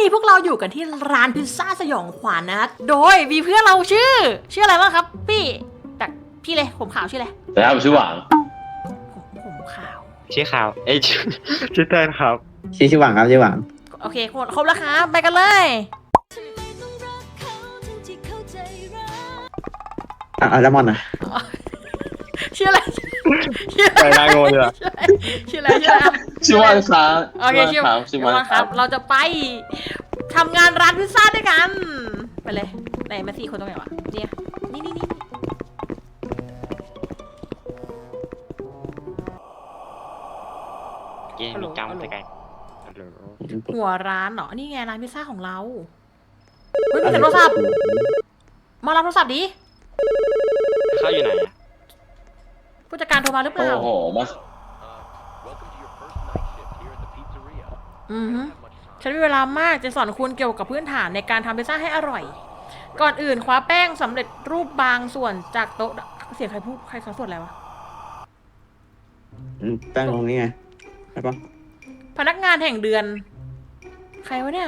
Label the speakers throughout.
Speaker 1: นี้พวกเราอยู่กันที่ร้านพิซซ่าสยองขวัญนะโดยมีเพื่อนเราชื่ออะไรบ้างครับพี่จากพี่เลยผมขาวชื่ออะไร
Speaker 2: แต่ถ้าผมชื่อหวัง
Speaker 1: ผมขาว
Speaker 3: ชื่อข่าวชื่อเต้นครับ
Speaker 4: ชื่อหวังครับชื่อหวัง
Speaker 1: โอเคครบแล้วครับไปกันเลย
Speaker 4: แล้วมอนนะ
Speaker 1: ชื่ออะไร
Speaker 3: ไปนางโง่เลยอะ
Speaker 1: ชื่ออะไรชื่ออะไร
Speaker 2: ชื่อวันครับ
Speaker 1: โอเคชื่อ
Speaker 2: ชื่อ
Speaker 1: วั
Speaker 2: วัน น
Speaker 1: ค
Speaker 2: ค
Speaker 1: รั
Speaker 2: รั
Speaker 1: บบ เราจะไปทำงานร้านพิซซ่าด้วยกันไปเลยไหนมา4 คนตรงไหนวะเนี่ยนี่
Speaker 3: เกมมีจำแต่ไกล
Speaker 1: หัวร้านเหรอนี่ไงร้านพิซซ่าของเราเฮ้ยมีแต่โทรศัพท์มารับโทรศัพท์ดิ
Speaker 3: เข้าอยู่ไหนอะ
Speaker 1: ผู้จัดการโทรมาหรือเป
Speaker 2: โอ้
Speaker 1: ล่า
Speaker 2: โหมา
Speaker 1: อือฮึฉันมีเวลามากจะสอนคุณเกี่ยวกับพื้นฐานในการทำพิซซ่าให้อร่อย ก่อนอื่นคว้าแป้งสำเร็จรูปบางส่วนจากโต๊ะเสียงใครพูดใครเขาส่วนอะไรวะ
Speaker 4: แป้งตรงนี้ไงใช่ปะ
Speaker 1: พนักงานแห่งเดือน ใครวะเนี่ย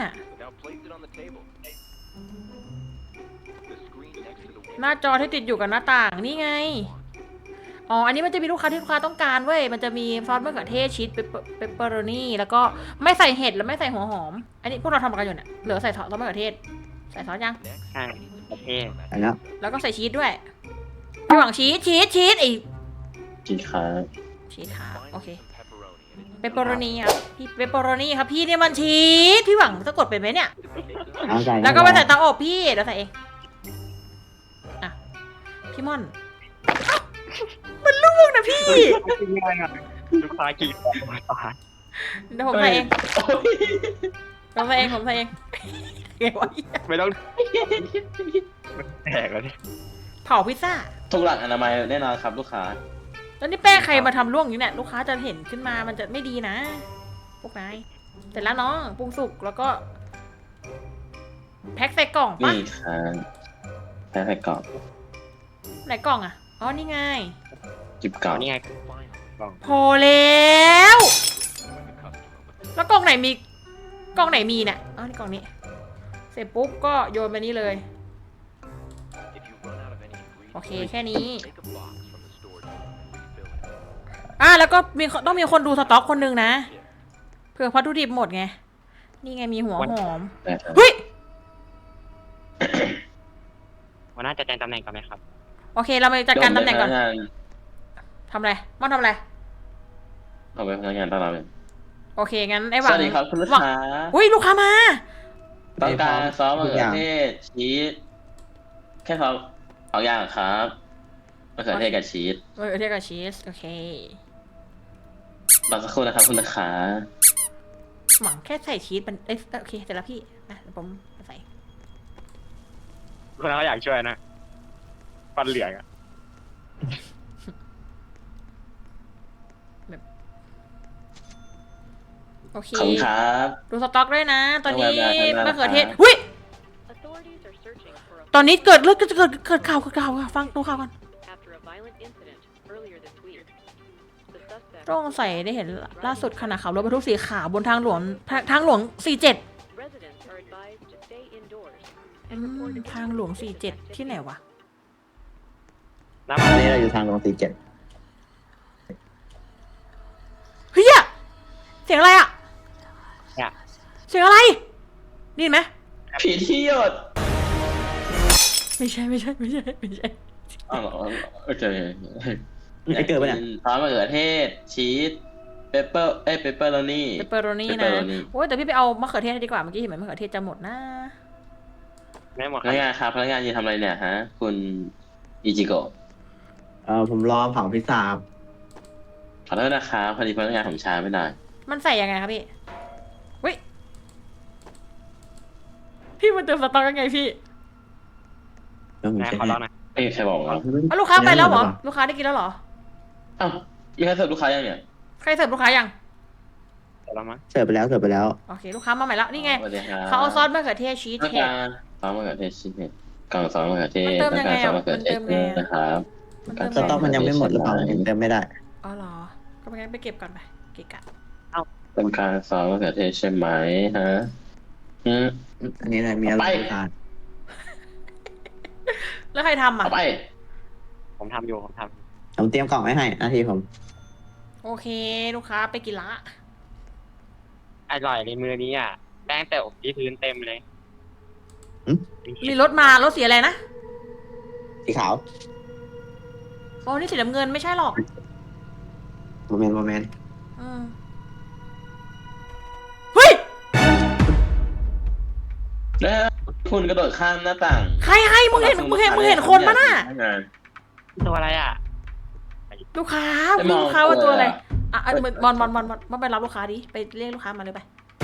Speaker 1: หน้าจอที่ติดอยู่กับหน้าต่างนี่ไง อ๋อ อันนี้มันจะมีลูกค้าที่ลูกค้าต้องการเว้ย มันจะมีซอสมะเขือเทศชีสเปปเปอโรนี่แล้วก็ไม่ใส่เห็ดและไม่ใส่หัวหอม อันนี้พวกเราทำกันอยู่เนี่ย เหลือใส่ซอสมะเขือเทศ ใส่ซอสยัง
Speaker 3: ใช่ประเทศ
Speaker 4: อันนี้
Speaker 1: แล้วก็ใส่ชีสด้วยพี่หวังชีสไอ
Speaker 2: กี่ครั้ง
Speaker 1: ชีสค่ะโอเค เปปเปอโรนี่ครับพี่เปปเปอโรนี่ครับพี่เนี่ยมันชีสพี่หวังจะกดเป็นไหมเนี่ย
Speaker 4: เอาใจ
Speaker 1: แล้วก็ไปใส่เตาอบพี่เดี๋ยวใส่เองอ่ะพี่ม่อนมันลูกนะพี่
Speaker 3: ง่ายอ่ะลูกค้ากี่คนมาตาย
Speaker 1: เดี๋ยวผมใส่เองผมใส่เองเก๋วะ
Speaker 3: ไม่ต้องมันแตกแล้วเนี่ย
Speaker 1: เผาพิซซ่า
Speaker 2: ทุกหลักอนามัยแน่นอนครับลูกค้า
Speaker 1: แล้วนี่แป้งใครมาทำล่วงอย่างนี้เนี่ยลูกค้าจะเห็นขึ้นมามันจะไม่ดีนะพวกนายเสร็จแล้วน้องปรุงสุกแล้วก็แพ็คใส่กล่องปะ
Speaker 2: นี่ครับแพ้ไข่กรอบ
Speaker 1: ไหนกล่องอ่ะอ๋อนี่ไง
Speaker 2: จิบกรอบ
Speaker 3: นี่ไงกล่อง
Speaker 1: พอแล้วแล้วกล่องไหนมีเนี่ยอ๋อนี่กล่องนี้ เสร็จปุ๊บก็โยนไปนี่เลยโอเคแค่นี้แล้วก็ต้องมีคนดูสต็อกคนหนึ่งนะเผื่อวัตถุดิบหมดไงนี่ไงมีหัวหอม
Speaker 2: นะครับ
Speaker 1: เฮ้ย
Speaker 3: วันน่าจะแจ้งตำแหน่งก่อนไหมครับ
Speaker 1: โอเคเราไปจัดการตำแหน่งก่อน
Speaker 2: พกงาน
Speaker 1: ทำอะไรม่อนทำอะไร
Speaker 2: เอาไปพนักงานต้อนรับเลย
Speaker 1: โอเคงั้นไอ้ห
Speaker 2: ส
Speaker 1: วัง
Speaker 2: วัสดีครับคุณลูก
Speaker 1: หวัง
Speaker 2: ค้า
Speaker 1: อุ้ยลูกค้ามา
Speaker 2: ต้องการซอสมะเขือเทศชีสแค่2 อย่างครับมะเขือเทศกับชีส
Speaker 1: เทียบกับชีสโอเค
Speaker 2: รอสักครู่นะครับคุณลูกค้า
Speaker 1: หวังแค่ใส่ชีสมันโอเคเสร็จแล้วพี่นะเดี๋ยวผมใส่
Speaker 3: คนเขาอยากช่วยนะฟันเหลืองอ่ะ
Speaker 1: โอเค
Speaker 2: ขอบคุณครับ
Speaker 1: ดูสต็อกด้วยนะ ตอนนี้
Speaker 2: ได้
Speaker 1: มะเขือเทศ
Speaker 2: ครับ
Speaker 1: หุ้ยตอนนี้เกิดข่าวค่ะฟังดูข่าวก่อนต้องใส่ได้เห็นล่าสุดขณะขับรถบรรทุกสีขาวบนทางหลวง47ทางหลวง47ที่ไหนวะ
Speaker 3: น้ำ
Speaker 4: ต
Speaker 3: มั
Speaker 4: อน นนี้เราอยู่ทางลง47
Speaker 1: เฮียเสียงอะไรอ่ะ
Speaker 3: เนี่ย
Speaker 1: เสียงอะไรได้ยินไหม
Speaker 2: ผีที่หยด
Speaker 1: ไม่ใช่
Speaker 2: อ้าวเหรอโอเค
Speaker 4: ไอ้เกิดปะเนี่ย
Speaker 2: ซอสมะเขือเทศชีสเปปเปอร์โรนี่
Speaker 1: เปปเปอโรนี่นะ
Speaker 2: pepperoni
Speaker 1: โอ้ยแต่พี่ไปเอามะเขือเทศให้ดีกว่าเมื่อกี้เห็นไหมมะเขือเทศจะหมดนะ
Speaker 3: ไม่หมด
Speaker 2: พนักงานครับพนักงานยืนทำอะไรเนี่ยฮะ คุณอิจิโกะ
Speaker 4: ผมรอเผาพิซซ่าครับ
Speaker 2: ขอโทษนะครับพอดีพนักงานผมช้าไม่ได้
Speaker 1: มันใส่ยังไงครับพี่เฮ้ยพี่มาเติมสต๊อกยังไงพี่
Speaker 4: แล้วผม
Speaker 3: นาย
Speaker 4: เช็ค
Speaker 3: ขอ
Speaker 4: ให้
Speaker 3: ร้องหน่อย
Speaker 2: ไม่มีใครบอกเรา
Speaker 1: เอาลูกค้าไปแล้วเหรอลูกค้าได้กินแล้วเหรอ
Speaker 2: อ้าวมีใครเสิร์ฟลูกค้ายังเนี่ย
Speaker 1: ใครเสิร์ฟลูกค้ายัง
Speaker 3: ขอร้องมั้ง
Speaker 4: เสิร์ฟไปแล้ว
Speaker 1: โอเคลูกค้ามาใหม่แล้วนี่ไง
Speaker 2: สวัสดีครับ
Speaker 1: เขาเอาซอสมะเขือเทศชีส
Speaker 2: ต้อง
Speaker 1: เห็ด
Speaker 2: การซอสมะเขือเทศชีสเห็ดกล่องซอสมะเขือเทศ
Speaker 1: มันเติม
Speaker 2: ต้อ
Speaker 1: ยัง ง
Speaker 2: กา
Speaker 1: ไง
Speaker 2: รซอ
Speaker 1: อะ
Speaker 2: สมะเขือเทศ
Speaker 1: มันเติมไงอะ
Speaker 2: นะครับ
Speaker 1: มันเติม
Speaker 4: สต็อกมันยังไม่หมดหรือเปล่าถึงเติมไม่ได้
Speaker 1: อ๋อเหรอก็ไปเก็บก่อนไปเกะกะ
Speaker 2: ต้องการซอสมะเขือเทศใช่ไหมฮะอืม
Speaker 4: อันนี้อะไรมีอะไรพิซซ่า
Speaker 1: แล้วใครทำอ่ะ
Speaker 2: เอาไป
Speaker 3: ผมทำอยู่
Speaker 4: ผมเตรียมกล่องไว้ให้หน้าที่ผม
Speaker 1: โอเคลูกค้าไปกินละ
Speaker 3: อร่อยในมือนี้อ่ะแป้งแต่อบที่พื้นเต็มเลย
Speaker 1: มีรถมารถสีอะไรนะ
Speaker 4: สีขาว
Speaker 1: โอ้นี่สีน้ำเงินไม่ใช่หรอก
Speaker 4: โมเมนต์
Speaker 1: อืมเฮ้ย
Speaker 2: แล้วคุณกระโดดข้ามหน้าต่าง
Speaker 1: ใครมึงเห็นคนปะน่ะ
Speaker 3: ตัวอะไรอ่ะ
Speaker 1: ลูกค้า
Speaker 2: ไม่มอง
Speaker 1: ลูกค้าว่าตัวอะไร
Speaker 2: ตัวเลยอะ
Speaker 1: อ่ะบอลไปรับลูกค้าดิไปเรียกลูกค้ามาเลยไป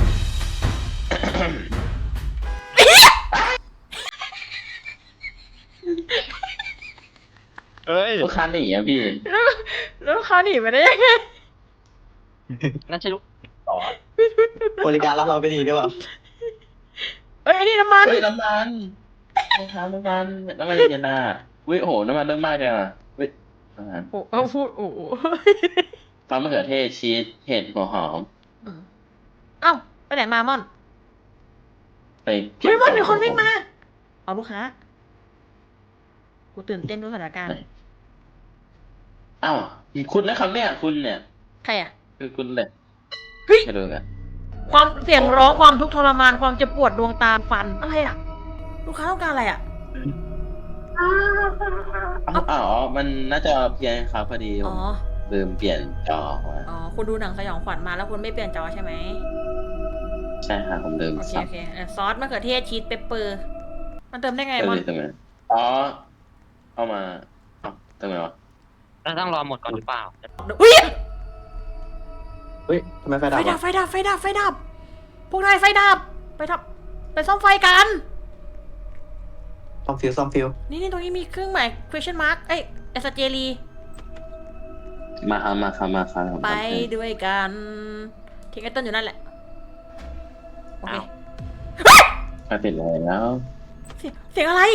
Speaker 3: เอ้ย
Speaker 2: ลูกค้าหนีอะพี่
Speaker 1: แล้วลูกค้าหนีไปได้ยังไง
Speaker 3: นั่นใช่ลูกต่อบ
Speaker 4: ริการรับเราไปดีด้วยเปล่า
Speaker 1: เอ้ยอันนี้น้ำมัน
Speaker 2: เฮ้ยน้ำมันน้ำมันเย็นน่ะวิโอ้โหน้ำมันเรื่องมากเลยอ่ะวิน้ำมัน
Speaker 1: โอ้เอาพูดโอ้โห
Speaker 2: ซอสมะเขือเทศชีสเห็ดหัวหอม
Speaker 1: เอ้าไปไหนมาม่อน
Speaker 2: ไป
Speaker 1: เฮ้ยม่อนมีคนวิ่งมาเอาลูกค้ากูตื่นเต้นด้วยสถานการณ์
Speaker 2: อ้าวคุณนะครับเนี่ยคุณเนี่ย
Speaker 1: ใครอ่ะ
Speaker 2: คือคุณเลย
Speaker 1: เฮ้ย
Speaker 2: ให้ดูกัน
Speaker 1: ความเสียงร้องความทุกข์ทรมานความเจ็บปวดดวงตาฟันอะไรอ่ะ ลูกค้าต้องการอะไรอ่ะ
Speaker 2: อ๋อมันน่าจะเพี้ยนครับพอดีผ
Speaker 1: อ๋อ
Speaker 2: มลืมเปลี่ยนจอมา
Speaker 1: อ๋อคุณดูหนังสยองขวัญมาแล้วคุณไม่เปลี่ยนจอใช่ไหม
Speaker 2: ใช่ค่ะผมลืม
Speaker 1: โอเค
Speaker 2: ซับ
Speaker 1: โอเคซอสมะเขือเทศชีสเปปเปอร์มันเติมได้ไง
Speaker 2: เติม
Speaker 1: มอน
Speaker 2: เลยตรงนั้นอ๋อเอามาเอาตรงไหนวะ
Speaker 3: เราต้องรอหมดก่อนหรือเปล่า
Speaker 1: อุ้ย
Speaker 4: เฮ้ยทำไมไฟดับ
Speaker 1: ไฟดับ พวกนายไฟดับไปซ่อมไฟกัน
Speaker 4: ซ่อมฟิว
Speaker 1: นี่ตรงนี้มีเครื่องหมาย question mark เอ้ยเอสเจรี
Speaker 2: มาครับผม
Speaker 1: ไป
Speaker 2: ทำให้
Speaker 1: ด้วยกันทิ้งไอ้ต้นอยู่นั่นแหละโอเค
Speaker 3: อ้าว
Speaker 2: ไปปิดเลยแล้ว
Speaker 1: เสียงอะไร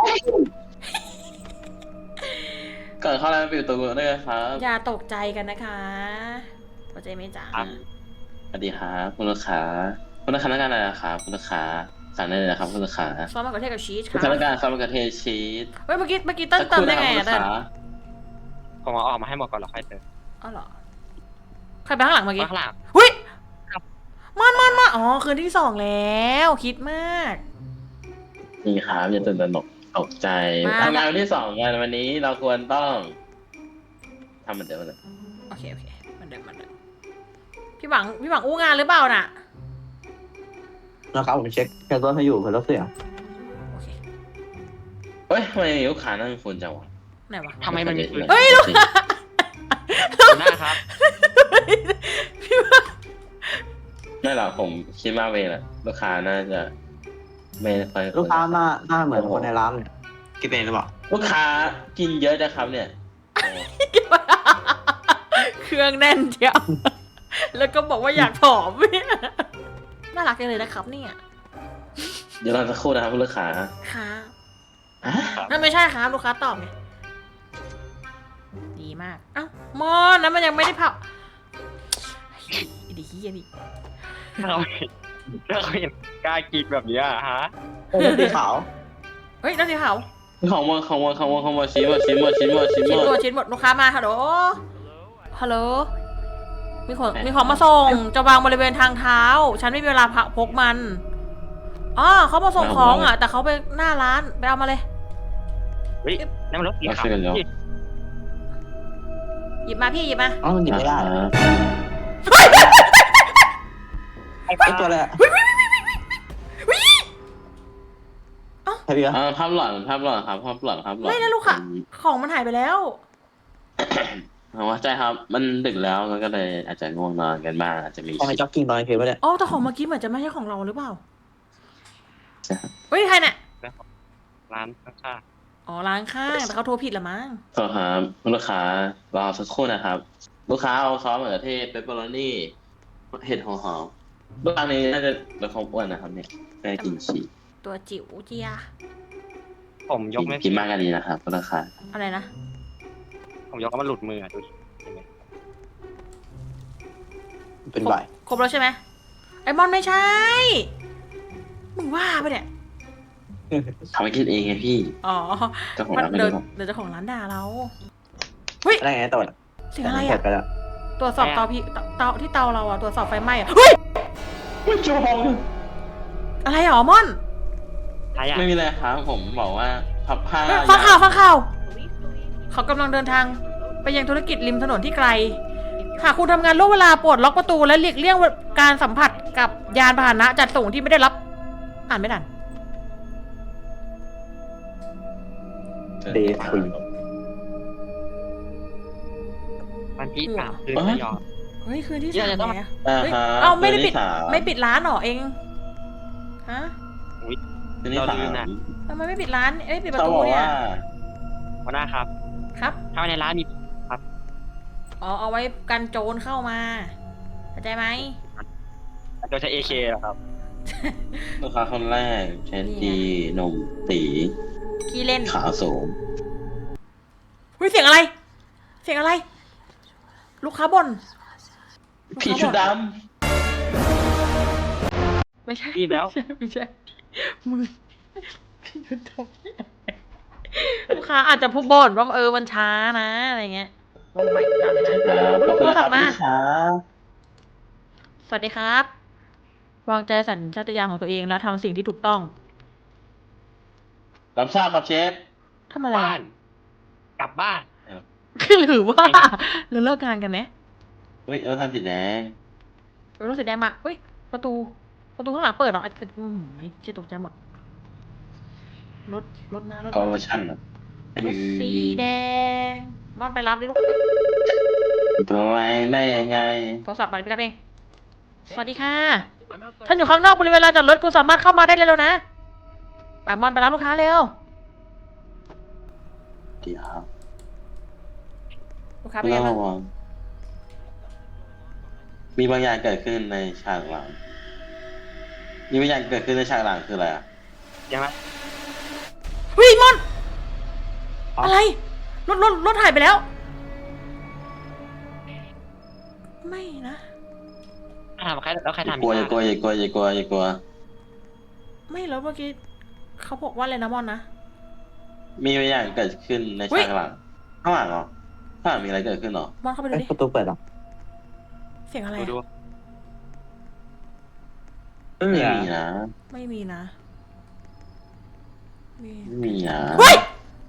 Speaker 2: ก่อนเข้าร้านปิดประตูด้วยครับ
Speaker 1: อย่าตกใจกันนะคะเข้าใจไหมจ๊ะ
Speaker 3: ครับ
Speaker 2: สวัสดีครับคุณลูกค้าคุณลูกค้าต้องการอะไรนะครับคุณลูกค้าสั่งได้เลยนะครับคุณลูกค้า
Speaker 1: ซอสมะเขือเทศกับชีส
Speaker 2: คุณ
Speaker 1: ค่ะ
Speaker 2: ลูกค้าต้องการซอสมะเขือเทศชีส
Speaker 1: เฮ้ยเมื่อกี้เต้นเติมได้ไง
Speaker 2: สั
Speaker 1: อ่ะ
Speaker 2: ก
Speaker 1: เต้
Speaker 2: คน นะครับ
Speaker 3: ผมเอาออกมาให้หมดก่อนแล้วค่อยเติม
Speaker 1: อ๋อเหรอใครไปข้างหลังเมื่อกี้
Speaker 3: ข้างหลัง
Speaker 1: หุ้ยมันอ๋อคืนที่สองแล้วคิดมาก
Speaker 2: นี่ครับอย่าตื่นตระหนกตกใจ
Speaker 1: มา
Speaker 2: ทำงานวันที่2กันวันนี้เราควรต้องทำเหมือนเดิมเลย
Speaker 1: โอเคมันเดิมพี่หวังอู้งานหรือเปล่าน่ะ
Speaker 4: นะครับผมเช็คแคสเซิลให้อยู่เพื่อรับเสียง
Speaker 1: โอเค
Speaker 2: เฮ้ยทำไมลูกค้านั่งฝุ่นจังวะ
Speaker 1: ไหนวะ
Speaker 3: ทำไมมันมีปืน
Speaker 1: เฮ้ย
Speaker 3: อยู่หน้าครับ
Speaker 1: พี่หวัง
Speaker 2: ไม่หรอกผมคิดมากไปแหละลูกค้าน่าจะไม่ค่อย
Speaker 4: ลูกค้าหน้าเหมือนคนในร้านเลยคิดเองหรือเปล่า
Speaker 2: ลูกค้ากินเยอะนะครับเนี่ยโอ้
Speaker 1: เครื่องแน่นเชียวแล้วก็บอกว่าอยากผอมเนี่ยน่ารักจังเลยนะครับเนี่ย
Speaker 2: เดี๋ยวเราจะครู่นะครับคุณลูกค้า
Speaker 1: ค่ะ
Speaker 2: อ่ะ
Speaker 1: นั่นไม่ใช่ครับลูกค้าตอบไงดีมากเอ้ามอนนั้นมันยังไม่ได้เผาดีเฮียนี่
Speaker 3: เราเห็นกล้ากินแบบนี้อะฮะ
Speaker 4: สีขาว
Speaker 1: เฮ้ยนั่นสิเผา
Speaker 2: ของมาชิ้นหมด
Speaker 1: ชิ้นหมดลูกค้ามาฮัลโหลมีของมาส่งจะวางบริเวณทางเท้า ฉันไม่มีเวลาพกมันอ๋อเขามาส่งของอ่ะ แต่เขาไปหน้าร้านไปเอามาเลย
Speaker 3: เฮ้ยนั่นมันรถสีขาว
Speaker 1: หยิบมาพี่หยิบมา
Speaker 4: อ๋อมันหยิบไม่ได้
Speaker 2: อ่า
Speaker 3: ไอ้
Speaker 4: ไอ้ตัวอะไรอะใช่พี่
Speaker 2: ภาพหลอนครับ
Speaker 1: ไม่นะลูกค่ะ ของมันหายไปแล้ว
Speaker 2: ว่าใจครับ มันดึกแล้วมันก็เลยอาจจะง่วงนอนกันบ้างอาจจะมี
Speaker 4: ของไอ้จ็อกกิ้งตอนกลางคืนปะเนี่ย
Speaker 1: อ๋อแต่ของเมื่อกี้เหมือนจะไม่ใช่ของเราหรือเปล่า
Speaker 2: ใช่ครับ
Speaker 1: เฮ้ยใครเนี่ย
Speaker 3: ร้านข้าง
Speaker 1: อ๋อร้านข้างแต่เขาโทรผิดละมั้ง
Speaker 2: โทษครับคุณลูกค้ารอสักครู่นะครับ ลูกค้าเอาซอสมะเขือเทศเปปเปอโรนี่เห็ดหัวหอมลูกค้านี้น่าจะลดความอ้วนนะครับเนี่ยไม่ได้กินชีส
Speaker 1: ตัวจิ๋วเจีย
Speaker 3: ๆผมยกไม่
Speaker 2: กินมากก็ดีนะครับคุณลูกค้า
Speaker 1: อะไรนะ
Speaker 3: ผมยกแล้วมันหลุดมืออะดูดิเห็นไหม
Speaker 4: เป็นใบ
Speaker 1: ครบแล้วใช่ไหมไอมอนไม่ใช่บ้าปะเนี่ย
Speaker 2: ทำให้คิดเองไงพี่
Speaker 1: อ๋อ
Speaker 2: เจ้าของ
Speaker 1: มัน
Speaker 2: ร้านไม่
Speaker 1: เดี๋ยว
Speaker 2: รู้หรอก
Speaker 1: เดี๋ยวเจ้าของร้านด่าเรา เฮ้ย
Speaker 4: อะไรไงตรวจ
Speaker 1: เสียงอะไร
Speaker 4: เสร็
Speaker 1: อ่ะ
Speaker 4: จไปแล้ว
Speaker 1: ตรวจสอบเตาพี่เตาที่เตาเราอ่ะ ตรวจสอบไฟไหม้อ่ะ เฮ้ย
Speaker 2: ไม่จอง
Speaker 1: อะไรหรอม่อน
Speaker 3: ใครอ่ะ
Speaker 2: ไม่มีอะไรครับผมบอกว่าพับผ้า
Speaker 1: ฟังข่าวฟังข่าว เขากำลังเดินทางไปยังธุรกิจริมถนนที่ไกล หากคุณทำงานล่วงเวลาโปรดล็อกประตูและหลีกเลี่ยงการสัมผัสกับยานพาหนะจัดส่งที่ไม่ได้รับ อ่านไม่ทัน
Speaker 4: เดย์คุย
Speaker 3: วันที่สามคืนไม่ยอม
Speaker 1: เฮ้ย คืนที่
Speaker 3: เดี๋
Speaker 1: สา
Speaker 3: ยว
Speaker 1: ม
Speaker 3: จะต้อง
Speaker 1: แล้ว
Speaker 2: อ่า
Speaker 1: เฮ้ย
Speaker 2: ฮะ
Speaker 1: เอ้าไม่ได้ปิด
Speaker 2: คืนที่สาม
Speaker 1: ไม่ปิดร้านเหรอเอง ฮะ
Speaker 2: คืนที่
Speaker 3: เรา
Speaker 2: สา
Speaker 3: ลืม
Speaker 2: ม
Speaker 3: น่ะ
Speaker 1: ทำไมไม่ปิดร้านเอ้ยปิดประ
Speaker 2: เขา
Speaker 1: ตู
Speaker 2: บอก
Speaker 1: เนี่ย
Speaker 2: ว่า
Speaker 3: หัวหน้าครับ
Speaker 1: ครับ
Speaker 3: ถ้าในร้านมี
Speaker 1: อ๋อ เอาไว้กันโจรเข้ามา เข้าใจไหม
Speaker 3: โดยใช้ AK เหรอครับ
Speaker 2: ลูกค้าคนแรกเชนจีหนุ่มตี
Speaker 1: ขี้เล่น
Speaker 2: ขาวสูง
Speaker 1: เฮ้ย เสียงอะไร เสียงอะไร ลูกค้าบ่นลูก
Speaker 2: ผี
Speaker 1: ค้า
Speaker 2: ชุด
Speaker 1: บ่น
Speaker 2: ด
Speaker 1: ไม่ใช่
Speaker 3: รีบแล้ว
Speaker 1: ไม่ใช่มึงพี่ยุทธลูกค้าอาจจะพูดบ่นว่ามันช้านะอะไรเงี้ย
Speaker 2: ำครับขอบคุณนะครับพี่ช้า
Speaker 1: สวัสดีครับ วางใจสัญชาตญาณของตัวเองและทำสิ่งที่ถูกต้อง
Speaker 2: รับทราบครับเชฟ
Speaker 1: ทำอะไร
Speaker 3: บ้าน กลับบ้าน
Speaker 1: หรือว่าเราเลิกงานกันไหม
Speaker 2: เฮ้ยเราทำสีแดง
Speaker 1: รถสีแดงมาเฮ้ย ประตูข้างหลังเปิดเหรอเจ๊ตกใจหมดรถหน้ารถ
Speaker 2: คอร์รัปชันอ่ะ
Speaker 1: รถสีแดงมอนไปรับดิลูก
Speaker 2: ตัวไว้ได้ยังไง
Speaker 1: โทรศัพท์ไปรับเองสวัสดีค่ะ ท่านอยู่ข้างนอกบริเวณลานจอดรถคุณสามารถเข้ามาได้เลยแล้วนะไปมอนไปรับลูกค้าเร็ว
Speaker 2: ดีครับ
Speaker 1: ลูกค้าเป็นไง
Speaker 2: ระ
Speaker 1: บ้าง
Speaker 2: วังมีบางอย่างเกิดขึ้นในฉากหลัง มีบางอย่างเกิดขึ้นในฉากหลังคืออะไรอ่ะ
Speaker 3: ยังไง
Speaker 1: เฮ้ยมอน อะไร รถหายไปแล้ว ไม่นะ
Speaker 3: ถามใครแล้วใครทำ
Speaker 2: อย่ากลัวอย่ากลัวอย่ากลัวอย่ากลัวอย่ากลัว
Speaker 1: ไม่แล้วเมื่อกี้เขาบอกว่าอะไรนะมอนนะ
Speaker 2: มีบางอย่างเกิดขึ้นใน
Speaker 1: เฮ้ย
Speaker 2: ฉากหลัง ข้างหลังเหรอข้างหลังมีอะไรเกิดขึ้นเหรอ
Speaker 1: มอนเข้าไปดู
Speaker 4: เอ้ย
Speaker 1: ดิ
Speaker 4: ประตูเปิดเหรอ
Speaker 1: เสียงอะไร
Speaker 3: ดู
Speaker 1: อะ
Speaker 4: ไม่มี
Speaker 2: ไม่
Speaker 4: อ่ะ
Speaker 2: มีนะ
Speaker 1: ไม่มีนะ
Speaker 2: ไม่มีนะ
Speaker 1: เฮ้ย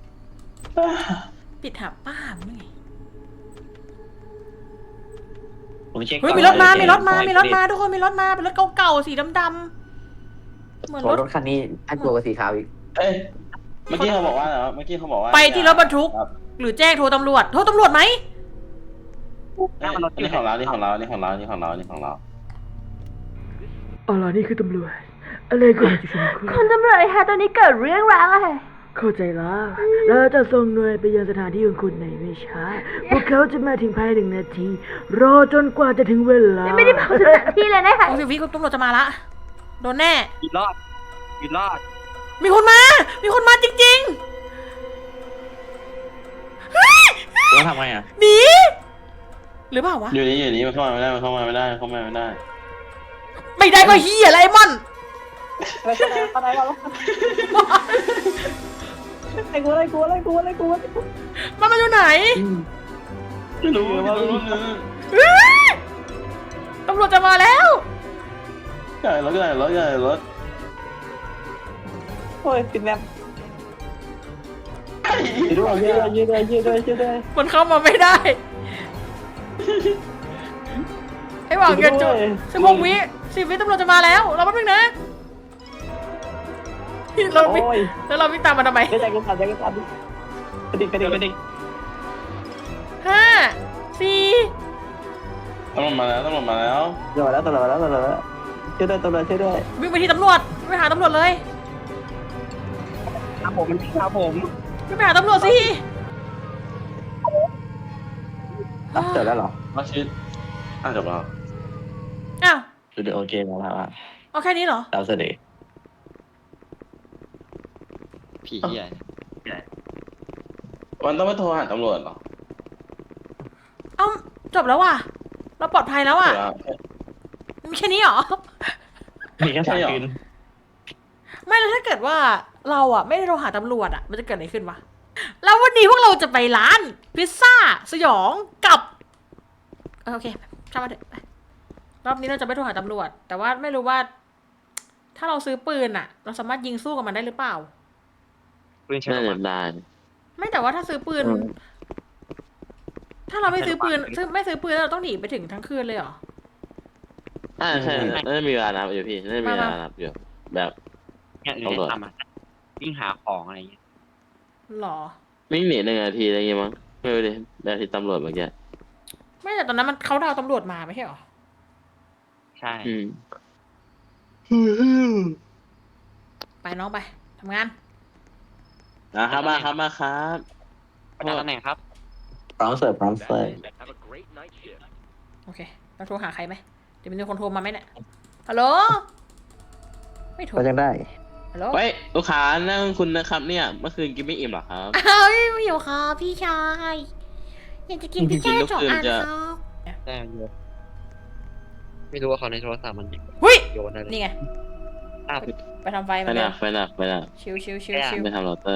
Speaker 1: ปิดหาป้ามนี่ไง
Speaker 4: ผมเช็ค
Speaker 1: เฮ้ย
Speaker 4: ก่อน
Speaker 1: มีรถมา
Speaker 4: ว่
Speaker 1: มีรถมาทุกคนมีรถมา เป็นรถเก่าๆสีดำๆเหมือน
Speaker 4: โอ้
Speaker 1: รถ
Speaker 4: รถคันนี้น่ากลัวกว่าสีขาวอีก
Speaker 2: เอ้ยเมื่อกี้เขาบอกว่าเหรอเมื่อกี้เขาบอกว่า
Speaker 1: ไปที่รถบรรทุก
Speaker 2: ครับ
Speaker 1: หรือแจ้งโทรตำรวจ โทรตำรวจไหม
Speaker 2: เอ้ยนี่ของเรานี่ของเรานี่ของเรานี่ของเรานี่ของเรา
Speaker 5: เอาล่ะนี่คือตำรวจ อะไรก่อนจะชมคุณ
Speaker 6: คุณตำรวจคะตอนนี้เกิดเรื่องร้าวอะไร
Speaker 5: เข้าใจแล้วเราจะส่งหน่วยไปยังสถานที่ของคุณในไม่ช้า พวกเขาจะมาถึงภายใน1 นาที รอจนกว่าจะถึงเวลา
Speaker 6: ไม่ได้บอกสถานที่เลยนะคะ
Speaker 1: โอ้ยวิคุณตำรวจจะมาละ โดนแน่
Speaker 3: มีรอด มีรอด
Speaker 1: มีคนมา มีคนมาจริง
Speaker 4: แล้วทำไงอ่ะ
Speaker 1: ๆหนีหรือเปล่าวะ
Speaker 2: อยู่นี่มันเข้ามาไม่ได้มันเข้ามาไม่ได้เข้ามาไม่ได้
Speaker 1: ไม่ได้ก็เฮียอะไรไอ้มอน
Speaker 4: ไอ้กูอะไรกูอะไรกูอะไรกู
Speaker 1: มันมาอยู่ไหน
Speaker 2: ไม่รู้ไม่รู้เลย
Speaker 1: เฮ้ยตำรวจจะมาแล้ว
Speaker 2: ใหญ่รถใหญ่รถใหญ่รถ
Speaker 4: โอ้ยติดแนบยืดด้วยยืดด้วยยืดด้วยยืดด้วยยืดด้วย
Speaker 1: มันเข้ามาไม่ได้ไอ้หวังเงินจุด16 วิ10 วิตำรวจจะมาแล้วเราแป๊บนึงนะเราวิ่ง
Speaker 4: โอ้ย
Speaker 1: แล้วเราวิ่งตามมันทำไม
Speaker 4: ใจกูสั่นใจกูสั่นกระดิกกระดิกกระดิก
Speaker 1: 5 4
Speaker 2: ตำรวจมาแล้วตำรวจมาแล้ว
Speaker 4: ตำรวจแล้วตำรวจแล้วตำรวจแล้วช่วยด้วยตำรวจช่วยด้วย
Speaker 1: วิ่งไปที่ตำรวจไปหาตำรวจเลย
Speaker 3: ครับผมมันครับผม
Speaker 1: วิ่งไปหาตำรวจสิ
Speaker 4: เสร็จแล้วเหรอ
Speaker 2: มาชิดจบแล้ว
Speaker 1: อ้าว
Speaker 4: โอเคแล้วครับ
Speaker 1: เอาแค่นี้เหรอ
Speaker 4: เราเสด็จ
Speaker 3: ผีเหี้ย
Speaker 2: มันต้องไปโทรหาตำรวจเหรอ
Speaker 1: เอ้าจบแล้วว่ะเราปลอดภัยแล้วอ่ะ
Speaker 2: เดี๋ยว
Speaker 1: มีแค่นี้เหรอ
Speaker 4: มีแค่3 คืน
Speaker 1: ฮไม่แล้วถ้าเกิดว่าเราอ่ะไม่ได้โทรหาตำรวจอ่ะมันจะเกิดอะไรขึ้นวะแล้ววันนี้พวกเราจะไปร้านพิซซ่าสยองกับโอเคช่างมันเถอะไปรอบนี้เราจะไม่โทรหาตำรวจ แต่ว่าไม่รู้ว่า ถ้าเราซื้อปืนอ่ะ เราสามารถยิงสู้กับมันได้หรือเปล่า
Speaker 3: ปืนใช้
Speaker 2: น่า
Speaker 3: ออก
Speaker 2: จะ
Speaker 3: มา
Speaker 2: ได้
Speaker 1: ไม่แต่ว่าถ้าซื้อปืน ถ้าเราไม่ซื้อปืนไม่ซื้อปืนแล้วเราต้องหนีไปถึงทั้งคืนเลยเหรอ
Speaker 2: ใช่น่าจะมีเวลานับอยู่พี่น่าจะมีเวลานับอยู่แบบ
Speaker 3: เนี่ยหรือได้ทำอ่ะวิ่งหาของอะไรเงี้ย
Speaker 1: หรอ
Speaker 2: วิ่งหนี1 นาทีอะไรเงี้ยมั้งไม่รู้ดิแบบที่ตำรวจเมื่อกี้
Speaker 1: ไม่แต่ตอนนั้นมันเขาดาวตำรวจมาไม่ใช่เหรอ
Speaker 3: ใช่
Speaker 2: อืม
Speaker 1: ไปน้องไปทำงาน
Speaker 2: นะครับมาครับมาครับ
Speaker 3: ประจำตำแหน่งครับ
Speaker 4: พร้อมเสิร์ฟพร้อมเสิร์ฟ
Speaker 1: โอเคเราโทรหาใครไหมเดี๋ยวมีคนโทรมาไหมเนี่ยฮัลโหลไม่โทร
Speaker 4: ก็ยังได้
Speaker 1: ฮัลโหล
Speaker 2: เฮ้ยลูกค้านั่งคุณนะครับเนี่ยเมื่อคืนกินไม่อิ่มเหรอครับ
Speaker 1: อ้าวไม่อยู่ค่ะพี่ชายอยากจะกินพิซซ่า
Speaker 2: กิน
Speaker 1: 2 อัน
Speaker 2: จะ
Speaker 1: ครับ
Speaker 3: ได้โยนไม่รู้ว่าเขาในโทรศัพท์มัน
Speaker 1: เฮ้ย
Speaker 3: โยนอะไร
Speaker 1: นี่ไง
Speaker 3: อ้าว
Speaker 1: ไปทำไฟ
Speaker 2: ไป
Speaker 1: มา
Speaker 2: ห
Speaker 1: เล
Speaker 2: นั
Speaker 1: ย
Speaker 2: กไปหนักไปหนัก
Speaker 1: ชิวชิวชิว
Speaker 3: ไม่
Speaker 1: ชิว
Speaker 2: ไปทำเราเตอร์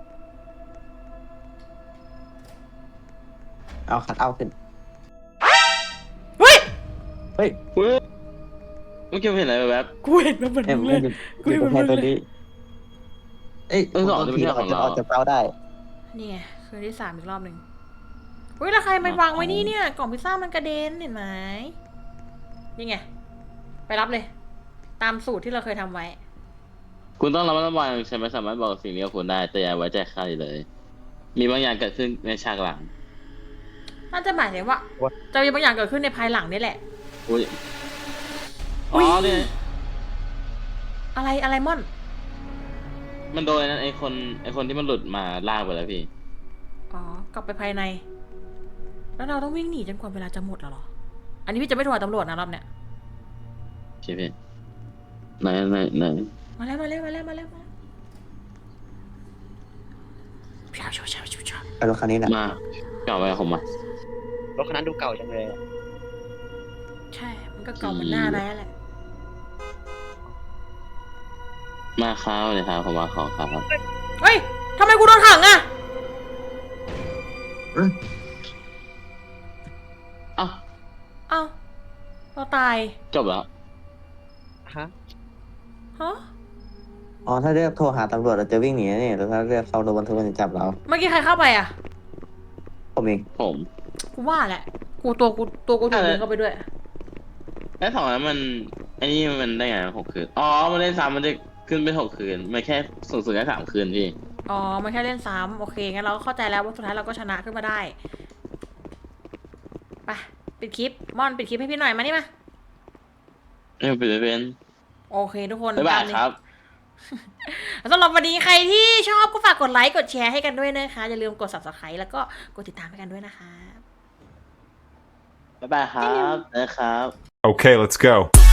Speaker 4: เอาคัดเอาขึ้น
Speaker 1: เฮ้ย
Speaker 4: เฮ้ย
Speaker 2: เมื่อกี้ผมเห็นอะไรแบบ
Speaker 1: กูเห็นมันเหมือน
Speaker 4: เอ็ม
Speaker 1: มึงเล
Speaker 4: ไม่
Speaker 1: ย
Speaker 4: หยุด
Speaker 1: กูเห็นมัน
Speaker 4: แค่
Speaker 1: เหมื
Speaker 4: ตั
Speaker 1: อ
Speaker 4: วน
Speaker 1: เลย
Speaker 4: นี้เอ้ย
Speaker 2: สองจะไม่ใช่ของเรา
Speaker 4: ออกจากเป้าได้
Speaker 1: นี่ไงคืนที่ 3อีกรอบหนึ่งเฮ้ยแล้วใครมันวางไว้นี่เนี่ยกล่องพิซซ่ามันกระเด็นเห็นไหมนี่ไงไปรับเลย ตามสูตรที่เราเคยทำไว้
Speaker 2: คุณต้องระมัดระวังฉันไม่สามารถบอกสิ่งนี้กับคุณได้แต่อย่าไว้ใจใครเลย มีบางอย่างเกิดขึ้นในฉากหลัง
Speaker 1: น่าจะหมายถึงว่า จะมีบางอย่างเกิดขึ้นในภายหลังนี่แหละ
Speaker 2: อุ้ย
Speaker 1: อุ๊
Speaker 2: อ๋
Speaker 1: ย
Speaker 2: อเนี่ย
Speaker 1: อะไรม่อน
Speaker 2: มันโดนนั้นไอคนที่มันหลุดมาลากไปแล้วพี่
Speaker 1: อ๋อกลับไปภายใน แล้วเราต้องวิ่งหนีจนกว่าเวลาจะหมดแล้วเหรอ อันนี้พี่จะไม่โทรหาตำรวจนะรอบเนี้ย
Speaker 2: ใช่พี่ไหน
Speaker 1: มาแล้วพี่เอาช่วย
Speaker 4: ไปรถคันนี้นะ
Speaker 2: มาเก่าไปกับผมมาร
Speaker 3: ถคันนั้นดูเก่าจังเลยอะ
Speaker 1: ใช่ มันก็เก่าเหมือนหน้าแร้แหละ
Speaker 2: มาข้าวเลยครับผมมาของครับ
Speaker 1: เฮ้ยทำไมกูโดนถังอะ
Speaker 2: เอ้า
Speaker 1: เอ้าเราตาย
Speaker 2: จบแล้ว
Speaker 3: ฮะ
Speaker 1: ฮะ
Speaker 4: อ๋อถ้าเรียกโทรหาตำรวจเราจะวิ่งหนีนะเนี่ยแต่ถ้าเรียกเข้ารถบรรทุกมันจะจับเรา
Speaker 1: เมื่อกี้ใครเข้าไปอะ
Speaker 4: ผมเอง
Speaker 2: ผม
Speaker 1: กูว่าแหละ กูตัวกูถูกดึงเข้าไปด้วย
Speaker 2: แล้วสองนั้นมันไอ้นี่มันได้ไง6 คืนอ๋อมันเล่นซ้ำมันจะขึ้นเป็น6 คืนมันแค่สูงสุดแค่3 คืนพี่
Speaker 1: อ๋อ มันแค่เล่นซ้ำโอเค งั้นเราก็เข้าใจแล้วว่าสุดท้ายเราก็ชนะขึ้นมาได้ ไปปิดคลิป ม่อนปิดคลิปให้พี่หน่อยมานี่มา
Speaker 2: ไม่เป็น
Speaker 1: โอเคทุกคน
Speaker 2: บ๊ายบาย
Speaker 1: ตมนี้
Speaker 2: ครับ
Speaker 1: สำหรับวันนี้ใครที่ชอบก็ฝากกดไลค์กดแชร์ให้กันด้วยนะคะ อย่าลืมกด subscribe แล้วก็กดติดตามให้กันด้วยนะคะ
Speaker 2: บ๊ายบายครับนะครับ
Speaker 7: Okay, let's go.